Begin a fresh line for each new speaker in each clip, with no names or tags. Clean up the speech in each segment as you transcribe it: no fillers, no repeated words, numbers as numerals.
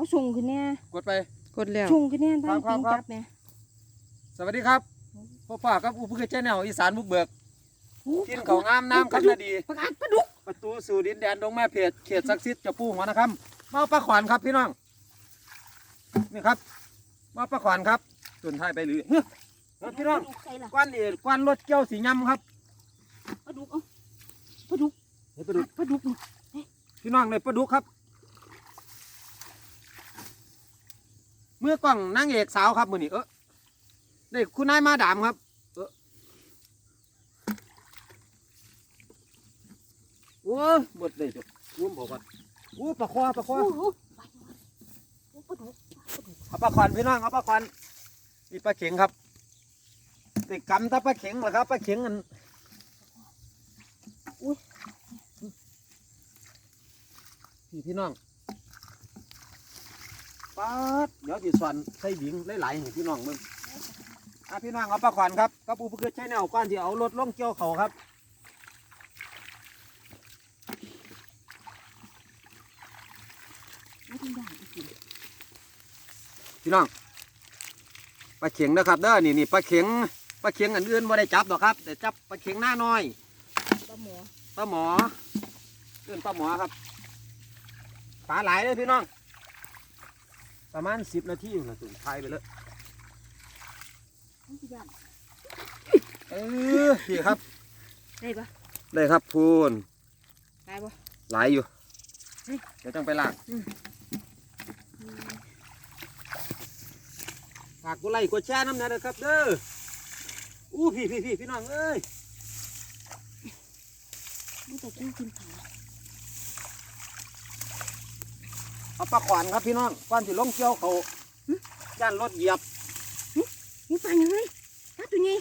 ส่งขึ้นเนี่ย
กดไป
กดแล้ว
ส่งขึ้นเนี่ยตั้งปิงจับเนี่ย
สวัสดีครับพ่อป้าครับอุปกรณ์แนวอีสานบุกเบิกกินเขางามน้ำครับนาดี
ประกาศปลาดุก
ประตูสู่ดินแดนดงแม่เพจเขตศักดิ์สิทธิ์เจ้าปู่หัวนะครับมาปลาขวานครับพี่น้องนี่ครับมาปลาขวานครับส่วนท้ายไปหรือพี่น้องกวนรถเกี่ยวสียำครับ
ปลาดุกปลาดุกปลาดุกปลาดุก
พี่น้องเลยปลาดุกครับเมื่อกล้องนางเอกสาวครับมือนี้นี่คุณนายมาดามครับโอ้ยหมดเลยจ้ะร่วมบอกกันโอ้ปลาควาเอาปลาควันพี่น้องเอาปลาควันนี่ปลาเข็งครับติดกำถ้าปลาเข็งเหรอครับปลาเข็งกันพี่น้องป๊าดเดี๋ยวจีสวนใส่บิงหลายๆให้พี่น้องมึงพี่น้องเอาปลาควันครับกับอุปกรณ์ใช้แนวก้อนที่เอารถล่องเกี่ยวเขาครับพี่น้องปลาเข็งนะครับเด้อนี่ปลาเข็งอันอื่นไม่ได้จับหรอกครับแต่จับปลาเข็งหน้าน้อยปลาหมอเอื้อนปลาหมอครับปลาหลายเลยพี่น้องประมาณ10 นาทีนะสุดท้ายไปเลยพี่ครับ
ได้ปะ
ได้ครับพูน
ได้ปะ
หลายอยู่เดี๋ยวต้องไปล้างฝากกดไลค์กดแชร์น้ำนะครับเด้อพี่น้องเอ้ย
มันจะกินขา
เอาปลาขวานครับพี่น้องก้อนที่ลงเกี่ยวเขาย่านรถเหยียบ
นี่ปลาอย่างไรปลาตัวนี้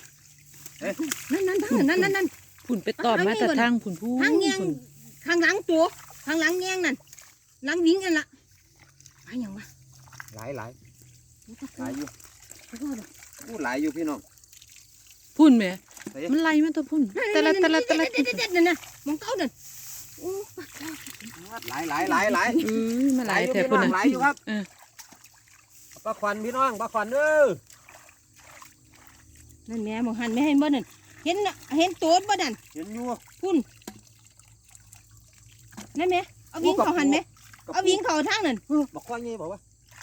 นั่น
ผุ่นไปตอดมาแต่ทางผุ่นพู
ทางเงี้ยงทางหลังตัวทางหลังเงี้ยงนั่นหลังวิ่งกันละปลาอย่างวะ
หลายอยู่พูดหลายอยู่พี่น้อง
พุ่นแม่มันไล่มาตัวพุ่นแต่ละ
นั่นนะมองเต้าเดินโอ้
หลาย
มาหลายแต่พุ่น
หลายอยู่ครับปลาขวัญพี่น้องปลาขวัญเด้อ
นั่นแม่มองหันไม่ให้บ่นั่นเห็นตัวบ่นั่น
เห็นอยู่
พุ่นนั่นแม่เอาวิ่งเขาหันไหมเอาวิ่งเขาทางนั่น
บอกข้อนี้บอกว่า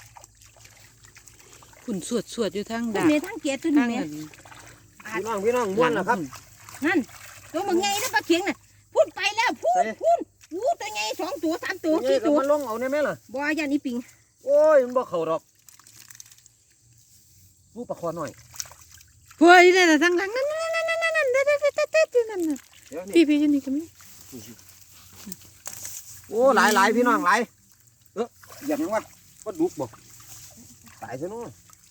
พุ่นสวดอยู่ทางด่า
ทางเกียร์ตัวนี้แม่
พี่น้องม้วนนะครับ
นั่นตัวมันไงนะปลาเข็งน่ะพุ่นไปแล้วพุ่นตัวไง2 ตัว 3 ตัว4 ตัว
มันลงเอาเนี่ยไหมล่ะ
บ่ยันอีปิง
โอ้ยมันบ่เข่าดอกลูกปลาคอหน่อย
พวยนี่นะทางหลังนั่นพี่อยู่นี่ก็มี
โอ้หลายพี่น้องหลายอย่างนั้นว่าก็ดุกบอกตายซะนู้น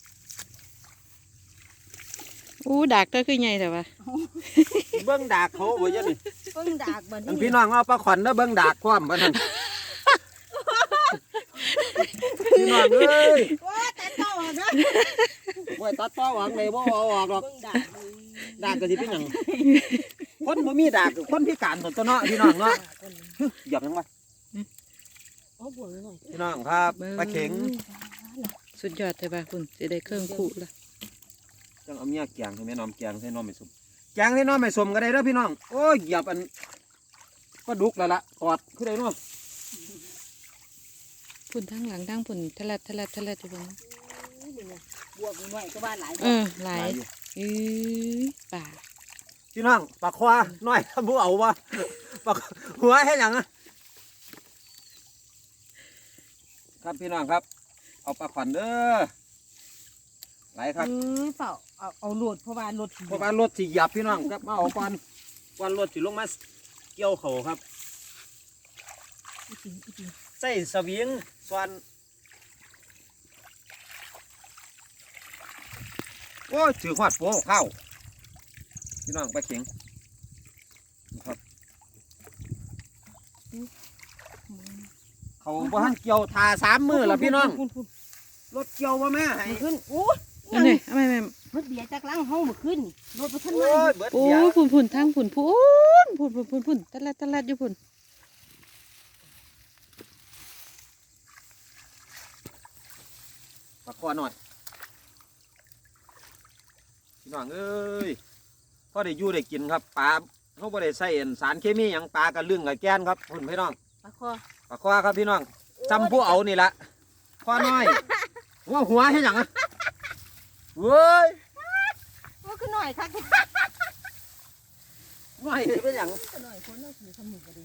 ดากเธอคือไงแต่ว่า
เบิ้งดากเขาบ่ยันนี่
เบิ้งดาก
มันพี่น้องเอาปลาขวัญแล้วเบิ้งดากความบ้านนั่นพี่น้องเอ้ย
ว่าตัดต่อนะ
ว่าตัดต่อหวังเลยว่าเอาออกหรอกดากก็สิเป็นหยังคนบ่มีดากคนพิการตัวเนาะพี่น้องเนาะหยับยังไงพี่น้องครับปลาเข็ง
สุดยอดเลยป่ะคุณจะได้เครื่องคู่ละ
จังเอาเมียแกงให้แม่น้อมแกงให้น้อมไม่สมแกงให้น้อมไม่สมก็ได้เด้อพี่น้องโอ้ยหยับอันก็ดุกแล้วล่ะกอดคือได้เนาะ
ผุ่นทางหลังทางผุ่นทะเลอยู่ตรงนั้น
บวกหน่อยก็บ้านหลาย
หลายป่า
พี่น้องปลาควาน้อยบุเอาวะปลาหัวให้ยังครับพี่น้องครับเอาปลาขวัญเด้อไหลครับ
เปล่าเอาโหลดเพราะว่าร
ถสีหยับพี่น้องครับมาเอาก่อนรถสีลงมาเกี่ยวเขาครับใส่สวิงส่วนโอ้ยถือขวดโป้เข้าพี่น้องไปเข็งครับเขาบ้านเกี่ยวทา3 มือแล้วพี่น้องรถเกี่ยวว่าแม่ให้
ขึ้นโอ้
ยนี่ทำไม
รถเบียร์จากล่างห้องมาขึ้นรถไปขึ้น
มาโอ้ผุ่นทางผุ่นตะลัดอยู่ผุ่น
ปลาคอหน่อยพี่น้องเอ้ยพอได้อยู่ได้กินครับปลาเขาบ่ได้ใส่สารเคมีหยังปลากระลึงกระแกนครับคุณพี่น้อง
ปลาคอ
ปลาคอครับพี่น้องจำผู้เอานี่ละคอน้อยหัวให้หยังอะเว้ย
ว่าคือหน่อยค่ะ
น้อยเป็นหยัง
หน่อยคนน่าถือทำหนึ่งก็ดี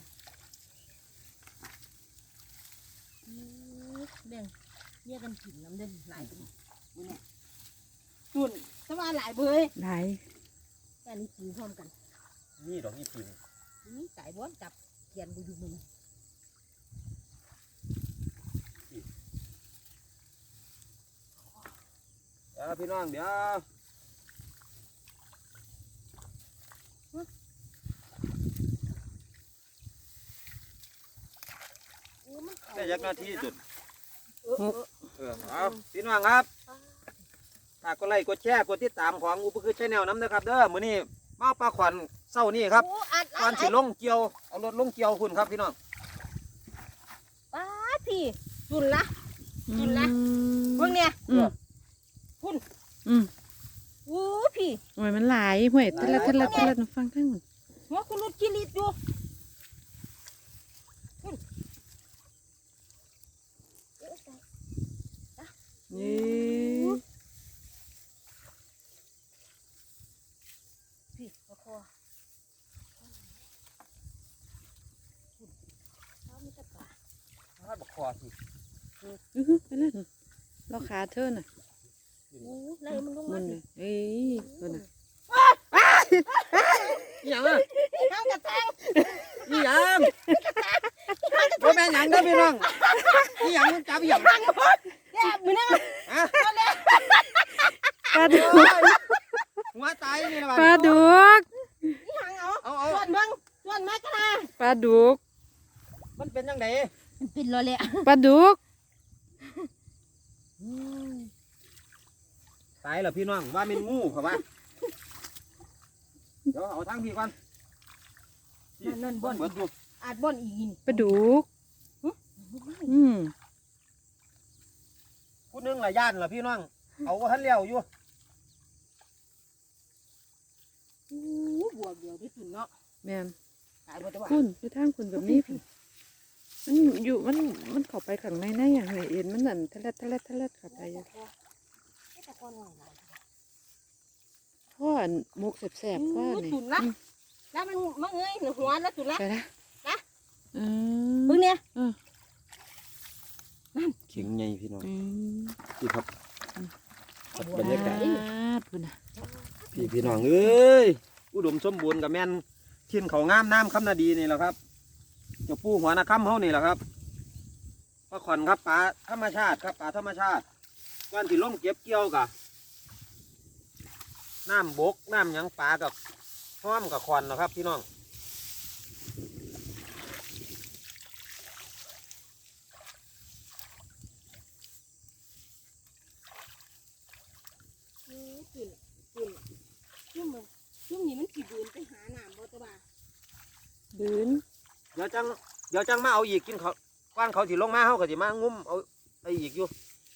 เด้งเรียกกันกินน้ำเด่นหลายเป็นจุ่นสว่าหลายเบย
หลาย
แค่นี้กินพร้อมกัน
นี่ดอกนี่ปิ่ง
นี่ไก่บ้วนจับเขียนบุญมัน
เดี๋ยวพี่น้องเดี๋ยวได้ยักหน้าที่จุดเอาพี่น้องครับฝากกดไลค์กดแชร์กดติดตามของอุปกรณ์ชาแนลน้ำนะครับเด้อมื้อนี้มาปลาขวัญเศร้านี่ครับตอนสิลงเกี่ยวเอารถลงเกี่ยวคุณครับพี่น้อง
ป้าพี่จุ่นละจุ่นละเบิ่งเนี่ย
อืม
พุ่น
อืม
อู้พี่
โอ้ยมันหลายห่วยทะละทะละทะละฟังข้างหมด
หัวคุณรุดกิริดอยู่
นี่
พี่ปลาคอเขาไม่จะปลา
ถ้าบักคอสิ
ไปเลยเราขาเธอน่ะ
อู้ไรมันลง
มั
มาน
เลยเอ้ยตัวน่ะ
อีหยังอ่ะ
ข้างกระแทง
อีหยังบ่แม่นหยังเด้อพี่น้องอีหยังจับอีหยัง
แย่มือนั่ง
ฮะ
ปลาดุก
หัวตายนี่ละ
ปลาดุก
นี่หางเอา
เอา
ส่วนเบิ่งส่วนไม้กระนา
ปลาดุก
มันเป็นยังไง
มันเป็นรอเลย
ปลาดุก
ตายเหรอพี่น้องว่าเป็นงูเขาว่าเดี๋ยวเอาทางพี่ก่อน
นั่นบ่อน
เบิดอยู่
อาจบ่อนอีกิน
ปลาดุกอืม
ผู้หนึงละย่านเหรอพี่น้องเอาว่าทันเลี้ยวอยู่
อู้บวกเดียวที่สุดเนาะ
แม่น
ตายบ่ตัว
คุณไปทางคุณแบบนี้พี่มันอยู่มันเข้าไปข้างในนะอย่างไรเอ็นมันนั่นทะละทะละทะละเข้าไปอยู่พ่ออันมุกแสบๆพ่อนี่
สุดละแล้วมันเงยหัวแล้วสุดละ
ไปละ
นะ
อื
เบิ่งเนี่ย
เข็งใหญ่พี่น้อง
อืม
พี่ครับบรรยากาศ
พุ่นน่ะ
พี่น้องเอ้ยอุดมสมบูรณ์กับแม่นทิ้นเขางามน้ำคำนาดีนี่แหละครับเจ้าปูหัวนาคำเฮานี่แหละครับปลาขอนครับปลาธรรมชาติครับปลาธรรมชาติก่อนที่ลงเก็บเกี่ยวกะน้ำบกน้ำหยังปลากับห้อมกับขอนนะครับพี่น้อง
จุ่มนี่มันกี่บืนไปหาน้ำบ่ตัวบ่า
บืน
เดี๋ยวจังมาเอาอีกกินเขาก้อนเขาสิลงมาเฮาก็สิมางุ้มเอาไปอีกอยู่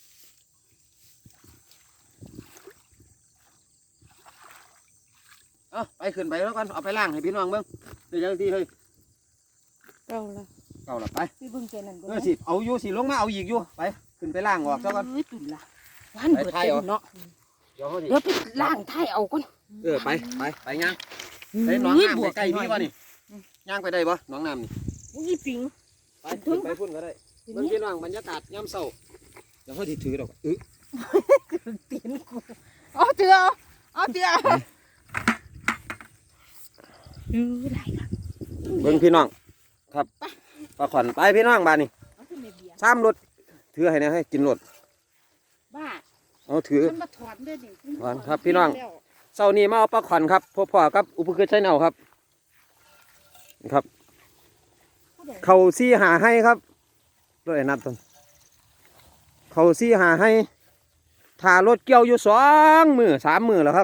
เอาไปขึ้นไปแล้วกันเอาไปล้างให้พี่น้องเบิ่งเดี๋ยวจังที่เฮ้ย
เก่าละ
เก่าละไป
ไปเบิ่งแกนั่นบ่
สิเอาอยู่สิลงมาเอาอีกอยู่ไปขึ้นไปล้างออกซะก่อน
ตุ่นละวันเบิดเต็มเนาะ
เดี๋ยวเขาสิ
เดี๋ยวไปล้างไถ่เอาก่อน
ไปย่างใส่หนองน้ำใกล้ๆพี่วะนี่ย่างไปได้ปะหนองน้ำนี่
นี่ปิง
ไปขึ้นไปพุ่นก็ได้เบิ่งพี่น้องบรรยากาศยามเช้าเดี๋ยวเขาสิถือดอก
ตีนกูเอาเตือเอาเตือไหลละ
เบิ่งพี่น้องครับปลาขวัญไปพี่น้องบ้านนี่
เอาขึ้นในเบียร์
ซ้ำรถถือให้นะให้กินรถ
บ้า
เอาถือ
มันมาถอนด้วยดิ
ถอนครับพี่น้อง เช้านี้มาเอาปลาขวัญครับพ่อกับอุปกรณ์ใช้แนวครับครับ เขาซี่หาให้ครับด้วยนัดต้นเขาซี่หาให้ถ่ารถเกี่ยวอยู่2 มื้อ 3 มื้อแล้วครับ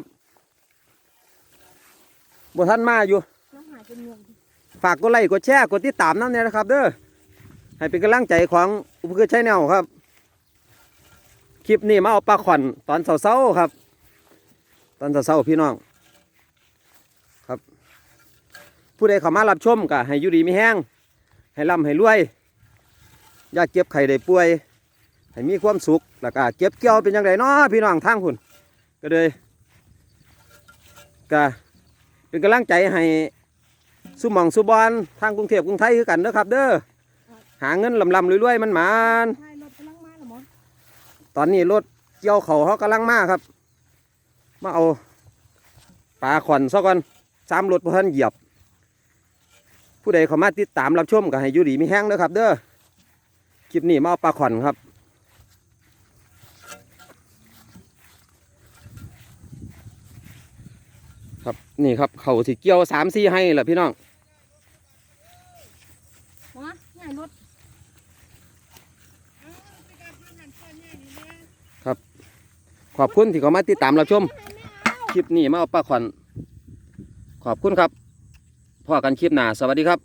บ่ทันมาอยู่
น้ำหายเป็นเมือง
ฝากกดไลค์กดแชร์กดติดตามนั่นเนี่ยนะครับเด้อให้เป็นกำลังใจของอุปกรณ์ใช้แนวครับคลิปนี้มาเอาปลาขวัญตอนเช้าๆครับ ตอนเช้าๆพี่น้องครับ ผู้ใดเข้ามารับชมก็ให้อยู่ดีมีแห้งให้ร่ำให้รวยอย่าเก็บไข่ได้ป่วยให้มีความสุขแล้วก็เก็บเกี่ยวเป็นยังไงเนาะพี่น้องทางคุณก็เลยก็เป็นกำลังใจให้สุหมองสุบอนทางกรุงเทพกรุงไทยคือกันเด้อครับเด้อหาเงินลำๆรวยๆมันหมาน
ใช่รถกำลังมาแล้วหมอ
ตอนนี้รถเกี่ยวเขากำลังมาครับมาเอาปลาขวัญซะก่อน3 รถพอท่านเหยียบผู้ใดเข้ามาติดตามรับชมก็ให้อยู่ดีมีแห้งเด้อครับเด้อคลิปนี้มาเอาปลาขวัญครับครับนี่ครับเขาสิเกี่ยว3-4ให้แหละพี่น้อง
หมอใหญ่รถ
ขอบคุณที่เข้ามาติดตามรับชมคลิปนี้มาเอาปลาขวัญขอบคุณครับพอกันคลิปหน้าสวัสดีครับ